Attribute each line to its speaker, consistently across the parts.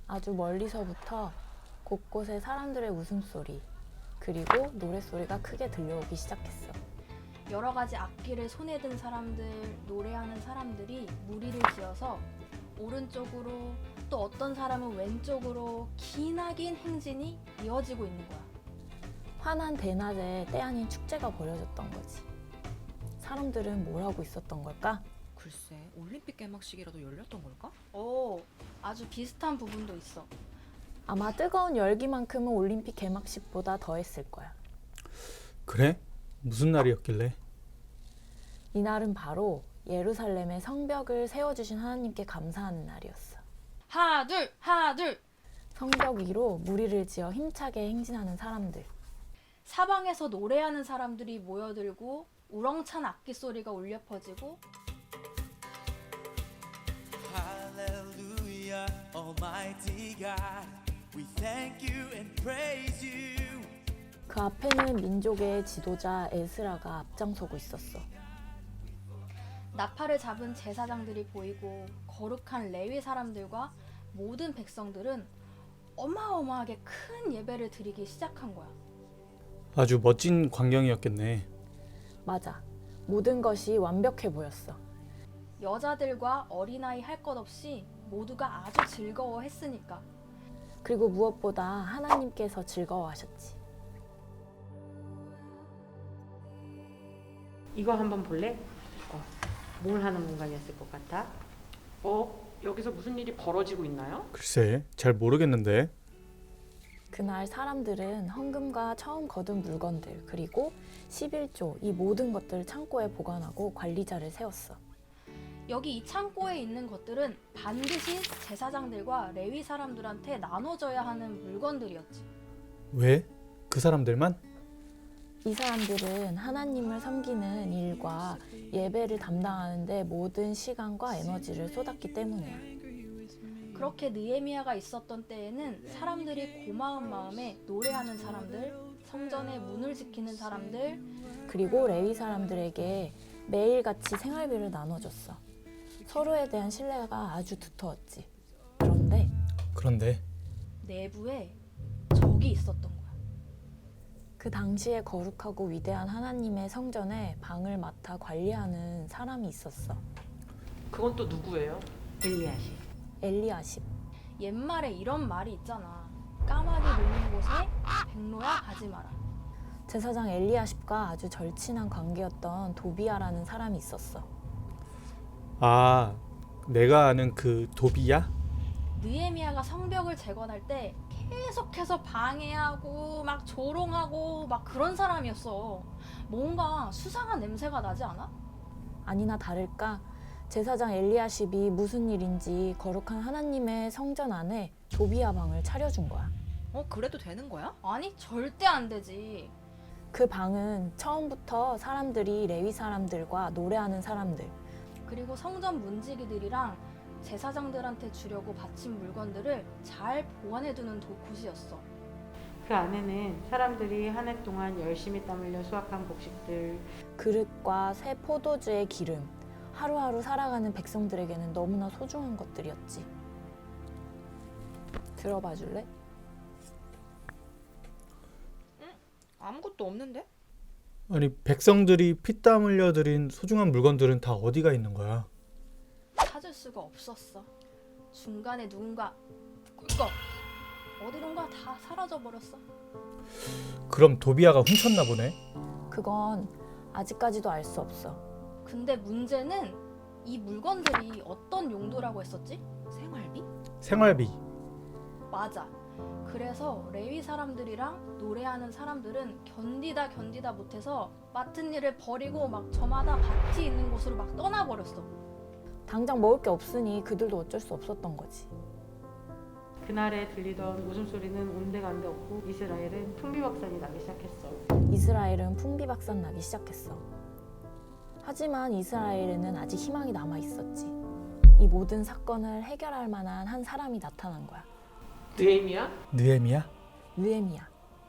Speaker 1: 아주 멀리서부터 곳곳에 사람들의 웃음소리, 그리고 노랫소리가 크게 들려오기 시작했어.
Speaker 2: 여러 가지 악기를 손에 든 사람들, 노래하는 사람들이 무리를 지어서 오른쪽으로 또 어떤 사람은 왼쪽으로 기나긴 행진이 이어지고 있는 거야.
Speaker 1: 환한 대낮에 때 아닌 축제가 벌어졌던 거지. 사람들은 뭘 하고 있었던 걸까?
Speaker 3: 글쎄, 올림픽 개막식이라도 열렸던 걸까?
Speaker 2: 오, 아주 비슷한 부분도 있어.
Speaker 1: 아마 뜨거운 열기만큼은 올림픽 개막식보다 더했을 거야.
Speaker 4: 그래? 무슨 날이었길래?
Speaker 1: 이날은 바로 예루살렘의 성벽을 세워주신 하나님께 감사하는 날이었어.
Speaker 2: 하나 둘, 하나 둘.
Speaker 1: 성벽 위로 무리를 지어 힘차게 행진하는 사람들.
Speaker 2: 사방에서 노래하는 사람들이 모여들고 우렁찬 악기 소리가 울려 퍼지고
Speaker 5: Hallelujah, Almighty God, we thank you and praise you.
Speaker 1: 그 앞에는 민족의 지도자 에스라가 앞장서고 있었어.
Speaker 2: 나팔을 잡은 제사장들이 보이고 거룩한 레위 사람들과 모든 백성들은 어마어마하게 큰 예배를 드리기 시작한 거야.
Speaker 4: 아주 멋진 광경이었겠네.
Speaker 1: 맞아. 모든 것이 완벽해 보였어.
Speaker 2: 여자들과 어린아이 할 것 없이 모두가 아주 즐거워했으니까.
Speaker 1: 그리고 무엇보다 하나님께서 즐거워하셨지.
Speaker 6: 이거 한번 볼래? 뭘 하는 공간이었을 것 같아?
Speaker 7: 여기서 무슨 일이 벌어지고 있나요?
Speaker 4: 글쎄, 잘 모르겠는데.
Speaker 1: 그날 사람들은 헌금과 처음 거둔 물건들, 그리고 11조 이 모든 것들을 창고에 보관하고 관리자를 세웠어.
Speaker 2: 여기 이 창고에 있는 것들은 반드시 제사장들과 레위 사람들한테 나눠져야 하는 물건들이었지.
Speaker 4: 왜? 그 사람들만?
Speaker 1: 이 사람들은 하나님을 섬기는 일과 예배를 담당하는 데 모든 시간과 에너지를 쏟았기 때문이야.
Speaker 2: 그렇게 느헤미야가 있었던 때에는 사람들이 고마운 마음에 노래하는 사람들, 성전의 문을 지키는 사람들,
Speaker 1: 그리고 레위 사람들에게 매일같이 생활비를 나눠줬어. 서로에 대한 신뢰가 아주 두터웠지. 그런데
Speaker 2: 내부에 적이 있었던 거야.
Speaker 1: 그 당시에 거룩하고 위대한 하나님의 성전에 방을 맡아 관리하는 사람이 있었어.
Speaker 7: 그건 또 누구예요?
Speaker 6: 엘리야시.
Speaker 1: 엘리야십.
Speaker 2: 옛말에 이런 말이 있잖아. 까마귀 노는 곳에 백로야 가지 마라.
Speaker 1: 제사장 엘리야십과 아주 절친한 관계였던 도비야라는 사람이 있었어.
Speaker 4: 아, 내가 아는 그 도비야?
Speaker 2: 느헤미야가 성벽을 재건할 때 계속해서 방해하고 막 조롱하고 막 그런 사람이었어. 뭔가 수상한 냄새가 나지 않아?
Speaker 1: 아니나 다를까 제사장 엘리야십이 무슨 일인지 거룩한 하나님의 성전 안에 도비야 방을 차려준 거야.
Speaker 3: 그래도 되는 거야?
Speaker 2: 아니 절대 안 되지.
Speaker 1: 그 방은 처음부터 사람들이 레위 사람들과 노래하는 사람들,
Speaker 2: 그리고 성전 문지기들이랑 제사장들한테 주려고 바친 물건들을 잘 보관해두는 곳이었어.
Speaker 6: 그 안에는 사람들이 한 해 동안 열심히 땀 흘려 수확한 곡식들,
Speaker 1: 그릇과 새 포도주의 기름, 하루하루 살아가는 백성들에게는 너무나 소중한 것들이었지. 들어봐 줄래?
Speaker 3: 아무것도 없는데?
Speaker 4: 아니, 백성들이 피땀 흘려 들인 소중한 물건들은 다 어디가 있는 거야?
Speaker 2: 찾을 수가 없었어. 중간에 누군가 꿀꺽 어디론가 다 사라져버렸어.
Speaker 4: 그럼 도비야가 훔쳤나 보네.
Speaker 1: 그건 아직까지도 알 수 없어.
Speaker 2: 근데 문제는 이 물건들이 어떤 용도라고 했었지?
Speaker 3: 생활비?
Speaker 4: 생활비.
Speaker 2: 맞아. 그래서 레위 사람들이랑 노래하는 사람들은 견디다 못해서 맡은 일을 버리고 막 저마다 밭이 있는 곳으로 막 떠나버렸어.
Speaker 1: 당장 먹을 게 없으니 그들도 어쩔 수 없었던 거지.
Speaker 6: 그날에 들리던 웃음소리는 온데간데 없고 이스라엘은 풍비박산이 나기 시작했어.
Speaker 1: 이스라엘은 풍비박산 나기 시작했어. 하지만 이스라엘에는 아직 희망이 남아 있었지. 이 모든 사건을 해결할 만한 한 사람이 나타난 거야.
Speaker 7: 느헤미야?
Speaker 4: 느헤미야?
Speaker 1: 느헤미야.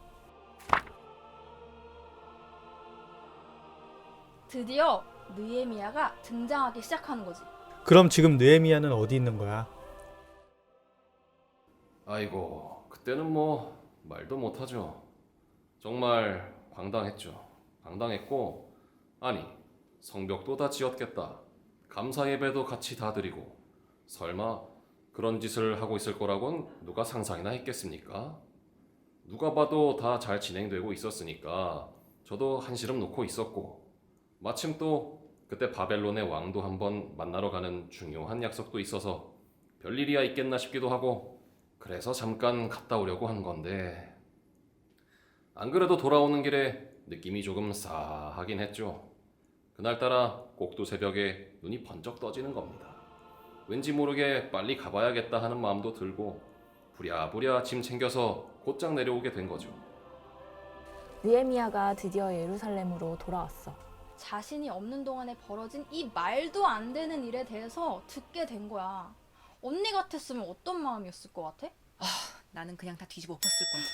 Speaker 2: 드디어 느헤미야가 등장하기 시작하는 거지.
Speaker 4: 그럼 지금 느헤미야는 어디 있는 거야?
Speaker 8: 아이고, 그때는 뭐 말도 못하죠. 정말 황당했죠. 황당했고, 아니, 성벽도 다 지었겠다. 감사 예배도 같이 다 드리고, 설마 그런 짓을 하고 있을 거라곤 누가 상상이나 했겠습니까? 누가 봐도 다 잘 진행되고 있었으니까 저도 한시름 놓고 있었고, 마침 또 그때 바벨론의 왕도 한번 만나러 가는 중요한 약속도 있어서 별일이야 있겠나 싶기도 하고, 그래서 잠깐 갔다 오려고 한 건데, 안 그래도 돌아오는 길에 느낌이 조금 싸하긴 했죠. 그날따라 꼭두 새벽에 눈이 번쩍 떠지는 겁니다. 왠지 모르게 빨리 가봐야겠다 하는 마음도 들고 부랴부랴 짐 챙겨서 곧장 내려오게 된 거죠.
Speaker 1: 느헤미야가 드디어 예루살렘으로 돌아왔어.
Speaker 2: 자신이 없는 동안에 벌어진 이 말도 안 되는 일에 대해서 듣게 된 거야. 언니 같았으면 어떤 마음이었을 것 같아?
Speaker 3: 나는 그냥 다 뒤집어 엎었을 거야.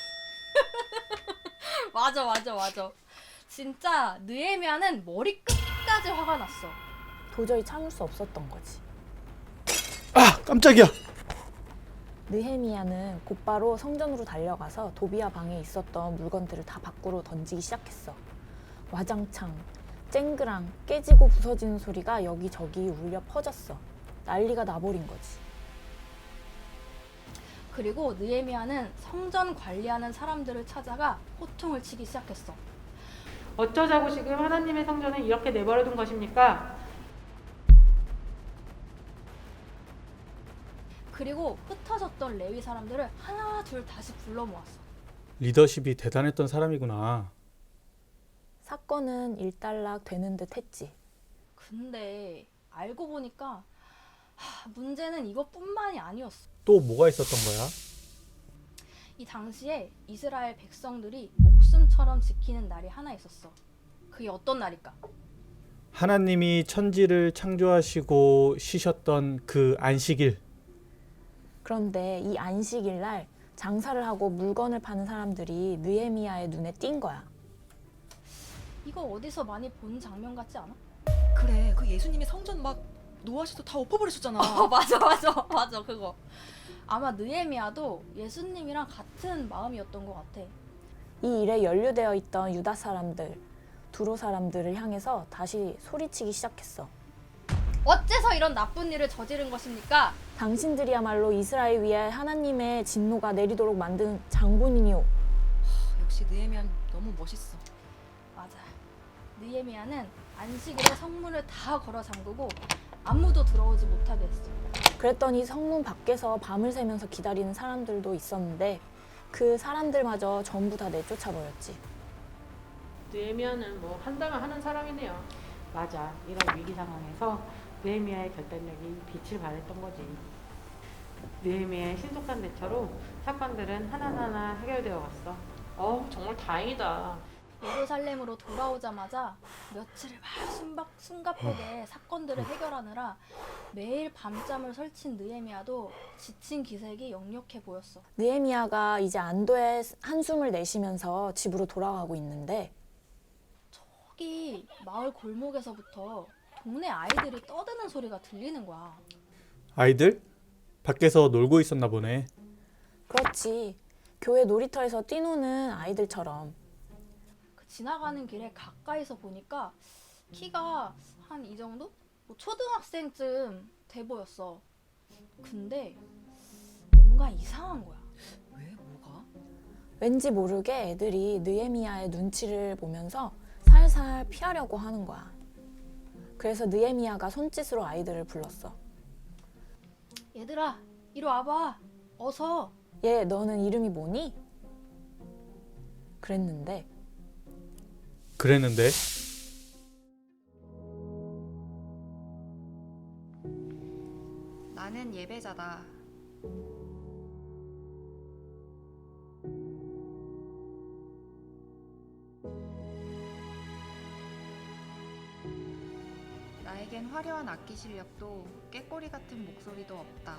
Speaker 2: 맞아. 진짜 느헤미야는 머리 끝까지 화가 났어.
Speaker 1: 도저히 참을 수 없었던 거지.
Speaker 4: 아, 깜짝이야.
Speaker 1: 느헤미야는 곧바로 성전으로 달려가서 도비야 방에 있었던 물건들을 다 밖으로 던지기 시작했어. 와장창, 쨍그랑 깨지고 부서지는 소리가 여기저기 울려 퍼졌어. 난리가 나버린 거지.
Speaker 2: 그리고 느헤미야는 성전 관리하는 사람들을 찾아가 호통을 치기 시작했어.
Speaker 6: 어쩌자고 지금 하나님의 성전을 이렇게 내버려둔 것입니까?
Speaker 2: 그리고 흩어졌던 레위 사람들을 하나 둘 다시 불러 모았어.
Speaker 4: 리더십이 대단했던 사람이구나.
Speaker 1: 사건은 일단락 되는 듯 했지.
Speaker 2: 근데 알고 보니까 문제는 이것뿐만이 아니었어.
Speaker 4: 또 뭐가 있었던 거야?
Speaker 2: 이 당시에 이스라엘 백성들이 목숨처럼 지키는 날이 하나 있었어. 그게 어떤 날일까?
Speaker 4: 하나님이 천지를 창조하시고 쉬셨던 그 안식일.
Speaker 1: 그런데 이 안식일 날 장사를 하고 물건을 파는 사람들이 느헤미야의 눈에 띈 거야.
Speaker 2: 이거 어디서 많이 본 장면 같지 않아?
Speaker 3: 그래, 그 예수님이 성전 막 노하셔서 다 엎어버리셨잖아.
Speaker 2: 맞아 그거. 아마 느헤미야도 예수님이랑 같은 마음이었던 것 같아.
Speaker 1: 이 일에 연루되어 있던 유다 사람들, 두로 사람들을 향해서 다시 소리치기 시작했어.
Speaker 2: 어째서 이런 나쁜 일을 저지른 것입니까?
Speaker 1: 당신들이야말로 이스라엘 위에 하나님의 진노가 내리도록 만든 장본인이오.
Speaker 3: 역시 느헤미야 너무 멋있어.
Speaker 2: 맞아. 느헤미야는 안식일에 성문을 다 걸어 잠그고 아무도 들어오지 못하게 했어.
Speaker 1: 그랬더니 성문 밖에서 밤을 새면서 기다리는 사람들도 있었는데 그 사람들마저 전부 다 내쫓아버렸지.
Speaker 6: 느헤미야는 뭐 한다면 하는 사람이네요. 맞아. 이런 위기 상황에서 느헤미야의 결단력이 빛을 발했던 거지. 느헤미야의 신속한 대처로 사건들은 하나하나 해결되어 갔어.
Speaker 7: 정말 다행이다.
Speaker 2: 예루살렘으로 돌아오자마자 며칠을 막 숨가쁘게 사건들을 해결하느라 매일 밤잠을 설친 느헤미야도 지친 기색이 역력해 보였어.
Speaker 1: 느헤미야가 이제 안도의 한숨을 내쉬면서 집으로 돌아가고 있는데
Speaker 2: 저기 마을 골목에서부터 동네 아이들이 떠드는 소리가 들리는 거야.
Speaker 4: 아이들? 밖에서 놀고 있었나 보네.
Speaker 1: 그렇지. 교회 놀이터에서 뛰노는 아이들처럼.
Speaker 2: 그 지나가는 길에 가까이서 보니까 키가 한 이 정도? 뭐 초등학생쯤 돼 보였어. 근데 뭔가 이상한 거야.
Speaker 3: 왜? 뭐가?
Speaker 1: 왠지 모르게 애들이 느헤미야의 눈치를 보면서 살살 피하려고 하는 거야. 그래서 느헤미야가 손짓으로 아이들을 불렀어.
Speaker 2: 얘들아, 이리 와봐. 어서.
Speaker 1: 얘, 너는 이름이 뭐니? 그랬는데
Speaker 9: 나는 예배자다. 나에겐 화려한 악기 실력도 꾀꼬리 같은 목소리도 없다.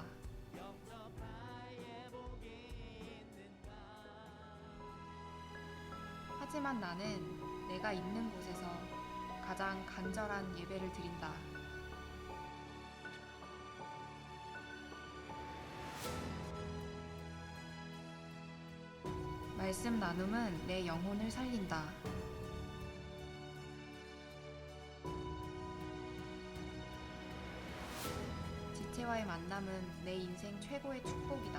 Speaker 9: 하지만 나는 내가 있는 곳에서 가장 간절한 예배를 드린다. 말씀 나눔은 내 영혼을 살린다. 지체와의 만남은 내 인생 최고의 축복이다.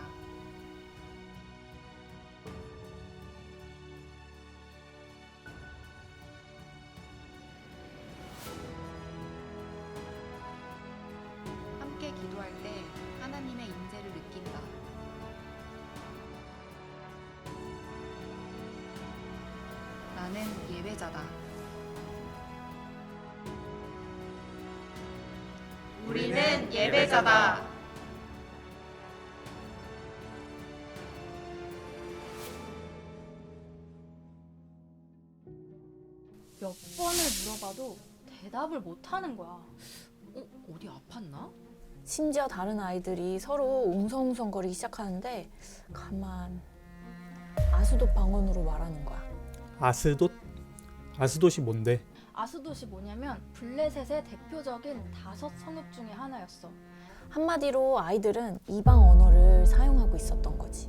Speaker 9: 함께 기도할 때 하나님의 인재를 느낀다. 나는 예배자다. 우리는 예배자다.
Speaker 2: 몇 번을 물어봐도 대답을 못 하는 거야.
Speaker 3: 어디 아팠나?
Speaker 1: 심지어 다른 아이들이 서로 웅성웅성거리기 시작하는데 가만 아스돗 방언으로 말하는 거야.
Speaker 4: 아스돗? 아스돗이 뭔데?
Speaker 2: 아스돗이 뭐냐면 블레셋의 대표적인 5성읍 중에 하나였어.
Speaker 1: 한마디로 아이들은 이방 언어를 사용하고 있었던 거지.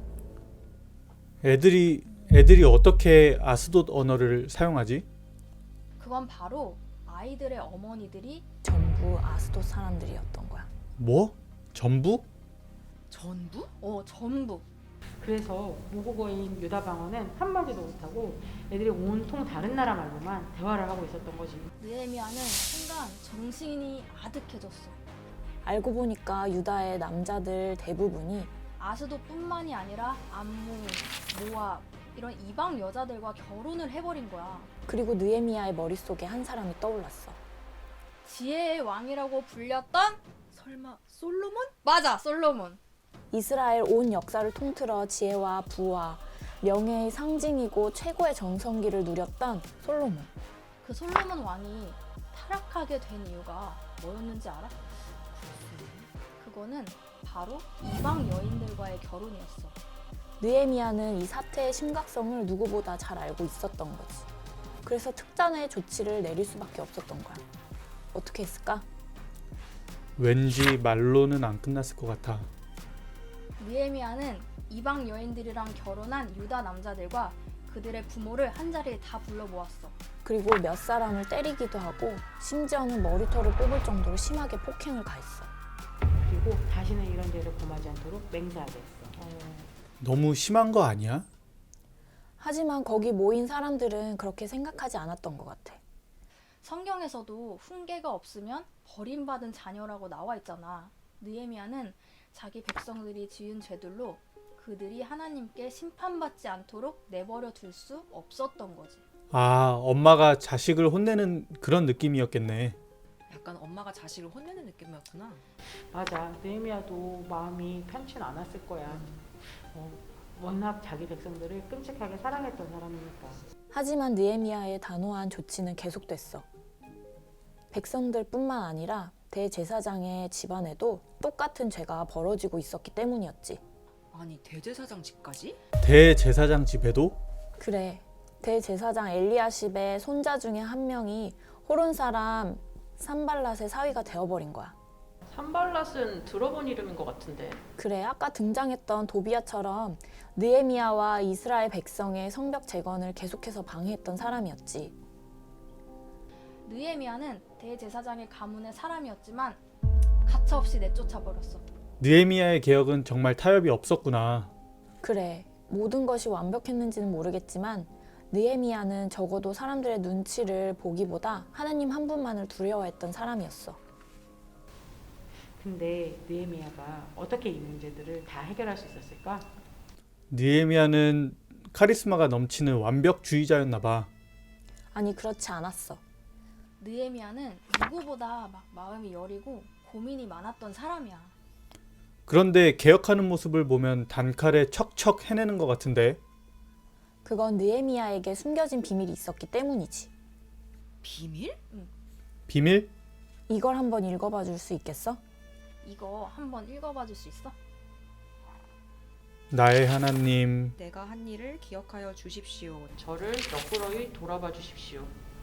Speaker 4: 애들이 어떻게 아스돗 언어를 사용하지?
Speaker 2: 그건 바로 아이들의 어머니들이
Speaker 1: 전부 아스돗 사람들이었던 거야.
Speaker 4: 뭐? 전부?
Speaker 3: 전부?
Speaker 2: 전부.
Speaker 6: 그래서 모국어인 유다 방언은 한마디도 못하고 애들이 온통 다른 나라 말로만 대화를 하고 있었던 거지.
Speaker 2: 느헤미야는 순간 정신이 아득해졌어.
Speaker 1: 알고 보니까 유다의 남자들 대부분이
Speaker 2: 아스돗뿐만이 아니라 암몬, 모압 이런 이방 여자들과 결혼을 해버린 거야.
Speaker 1: 그리고 느헤미야의 머릿속에 한 사람이 떠올랐어.
Speaker 2: 지혜의 왕이라고 불렸던
Speaker 3: 설마 솔로몬?
Speaker 2: 맞아, 솔로몬.
Speaker 1: 이스라엘 온 역사를 통틀어 지혜와 부와 명예의 상징이고 최고의 정성기를 누렸던 솔로몬.
Speaker 2: 그 솔로몬 왕이 타락하게 된 이유가 뭐였는지 알아? 그거는 바로 이방 여인들과의 결혼이었어.
Speaker 1: 느헤미야는 이 사태의 심각성을 누구보다 잘 알고 있었던 거지. 그래서 특단의 조치를 내릴 수밖에 없었던 거야. 어떻게 했을까?
Speaker 4: 왠지 말로는 안 끝났을 것 같아.
Speaker 2: 느헤미야는 이방 여인들이랑 결혼한 유다 남자들과 그들의 부모를 한자리에 다 불러 모았어.
Speaker 1: 그리고 몇 사람을 때리기도 하고 심지어는 머리털을 뽑을 정도로 심하게 폭행을 가했어.
Speaker 6: 그리고 다시는 이런 죄를 범하지 않도록 맹세하게 했어.
Speaker 4: 너무 심한 거 아니야?
Speaker 1: 하지만 거기 모인 사람들은 그렇게 생각하지 않았던 것 같아.
Speaker 2: 성경에서도 훈계가 없으면 버림받은 자녀라고 나와 있잖아. 느헤미야는 자기 백성들이 지은 죄들로 그들이 하나님께 심판받지 않도록 내버려 둘 수 없었던 거지.
Speaker 4: 아, 엄마가 자식을 혼내는 그런 느낌이었겠네.
Speaker 3: 약간 엄마가 자식을 혼내는 느낌이었구나.
Speaker 6: 맞아. 느헤미야도 마음이 편치 않았을 거야. 워낙 자기 백성들을 끔찍하게 사랑했던 사람이니까.
Speaker 1: 하지만 느헤미야의 단호한 조치는 계속됐어. 백성들뿐만 아니라 대제사장의 집안에도 똑같은 죄가 벌어지고 있었기 때문이었지.
Speaker 3: 아니 대제사장 집까지?
Speaker 4: 대제사장 집에도?
Speaker 1: 그래, 대제사장 엘리야십의 손자 중에 한 명이 호론 사람 산발랏의 사위가 되어버린 거야.
Speaker 7: 산발랏은 들어본 이름인 것 같은데.
Speaker 1: 그래, 아까 등장했던 도비야처럼 느헤미야와 이스라엘 백성의 성벽 재건을 계속해서 방해했던 사람이었지.
Speaker 2: 느헤미야는 대제사장의 가문의 사람이었지만 가차없이 내쫓아버렸어.
Speaker 4: 느헤미야의 개혁은 정말 타협이 없었구나.
Speaker 1: 그래, 모든 것이 완벽했는지는 모르겠지만 느헤미야는 적어도 사람들의 눈치를 보기보다 하나님 한 분만을 두려워했던 사람이었어.
Speaker 6: 근데 느헤미야가 어떻게 이 문제들을 다 해결할 수 있었을까?
Speaker 4: 느헤미야는 카리스마가 넘치는 완벽주의자였나 봐.
Speaker 1: 아니, 그렇지 않았어.
Speaker 2: 느헤미야는 누구보다 막 마음이 여리고 고민이 많았던 사람이야.
Speaker 4: 그런데 개혁하는 모습을 보면 단칼에 척척 해내는 것 같은데.
Speaker 1: 그건 느헤미야에게 숨겨진 비밀이 있었기 때문이지.
Speaker 3: 비밀?
Speaker 4: 비밀?
Speaker 1: 이걸 한번 읽어봐 줄 수 있겠어?
Speaker 2: 이거 한번 읽어봐 줄 수 있어?
Speaker 4: 나의 하나님,
Speaker 3: 내가 한 일을 기억하여 주십시오.
Speaker 7: 저를 너그러이 돌아봐 주십시오.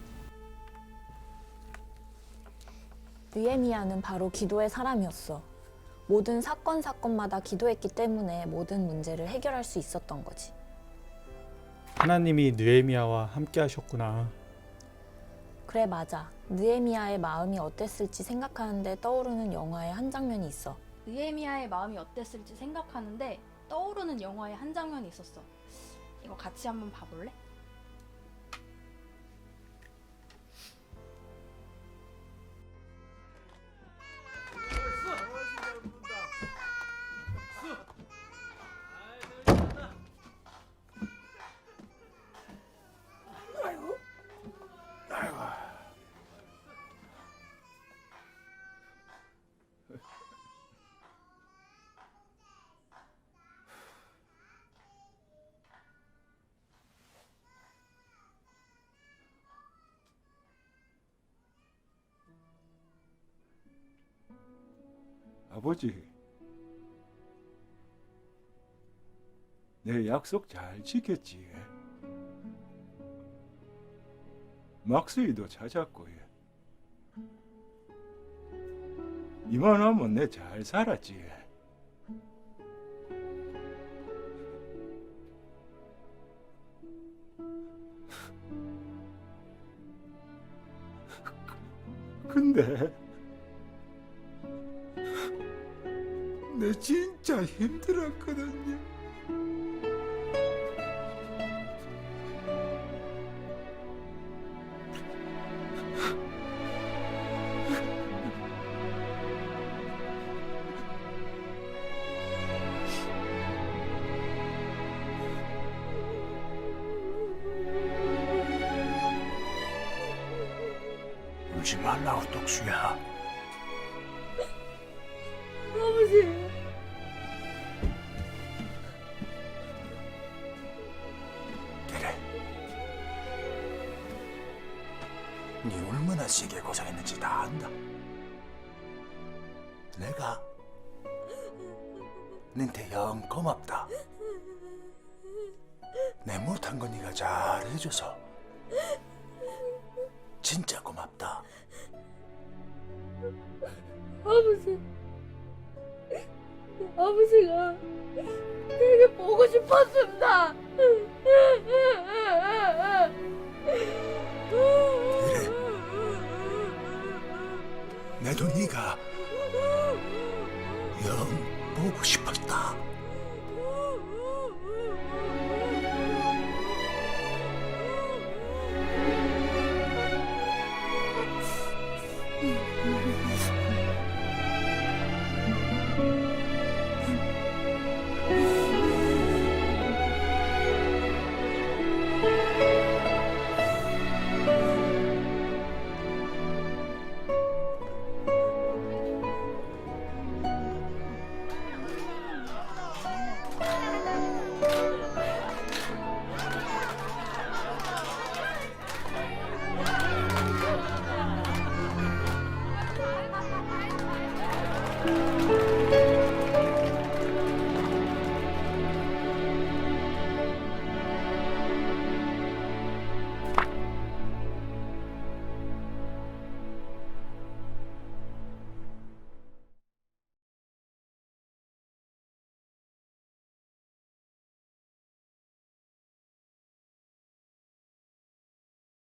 Speaker 1: 느헤미야는 바로 기도의 사람이었어. 모든 사건마다 기도했기 때문에 모든 문제를 해결할 수 있었던 거지.
Speaker 4: 하나님이 느헤미야와 함께 하셨구나.
Speaker 1: 그래, 맞아. 느헤미야의 마음이 어땠을지 생각하는데 떠오르는 영화의 한 장면이 있어.
Speaker 2: 느헤미야의 마음이 어땠을지 생각하는데 떠오르는 영화의 한 장면이 있었어. 이거 같이 한번 봐볼래?
Speaker 10: 아버지, 내 약속 잘 지켰지? 막수이도 찾았고, 이만하면 내 잘 살았지? 근데 내 진짜 힘들었거든요. 울지 말라고, 똑수야.
Speaker 1: 아버지.
Speaker 10: 그래. 네 얼마나 세게 고생했는지 다 안다. 내가 너한테 영 고맙다. 내 못한 거 네가 잘해줘서 진짜 고맙다.
Speaker 1: 아버지. 아버지가 되게 보고 싶었습니다.
Speaker 10: 그래. 나도 네가 영 보고 싶었다.